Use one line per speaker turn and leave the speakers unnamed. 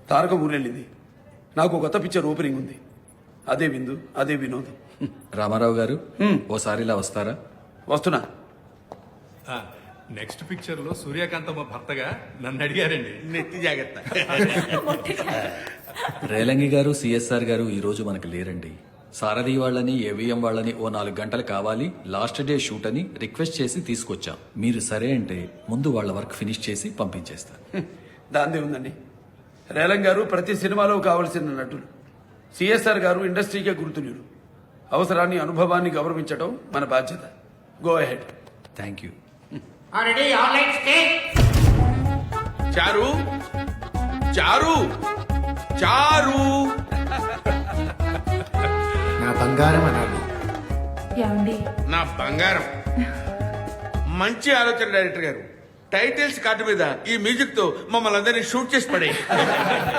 తారక ఊరెళ్ళింది. నాకు కొత్త picture opening ఉంది. అదే విందు, అదే వినోదం.
రామారావు గారు ఓసారి ఇలా వస్తారా?
వస్తున్నా.
నెక్స్ట్ పిక్చర్ లో సూర్యకాంతమ్మ భర్తగా నన్ను అడిగారండి.
నెత్తి జాగ్రత్త.
రేలంగి గారు, సిఎస్ఆర్ గారు ఈ రోజు మనకు లేరండి. సారథి వాళ్ళని, ఏవిఎం వాళ్ళని ఓ 4 గంటలు కావాలి, లాస్ట్ డే షూట్ అని రిక్వెస్ట్ చేసి తీసుకొచ్చాం. మీరు సరే అంటే ముందు వాళ్ళ వర్క్ ఫినిష్ చేసి పంపించేస్తాను.
దాందే ఉందండి. రేలం గారు ప్రతి సినిమాలో కావలసిన నటులు, సిఎస్ఆర్ గారు ఇండస్ట్రీకే గుర్తులు. అవసరాన్ని, అనుభవాన్ని గౌరవించడం మన బాధ్యత. Go ahead.
Thank you.
Already, all lights stay.
చారు చారు చారు
నా బంగారం అనాలి.
ఏమండి
నా బంగారం. మంచి ఆలోచన డైరెక్టర్ గారు. టైటిల్స్ కార్డు మీద ఈ మ్యూజిక్ తో మమ్మల్ని అందరినీ షూట్ చేసి పడే.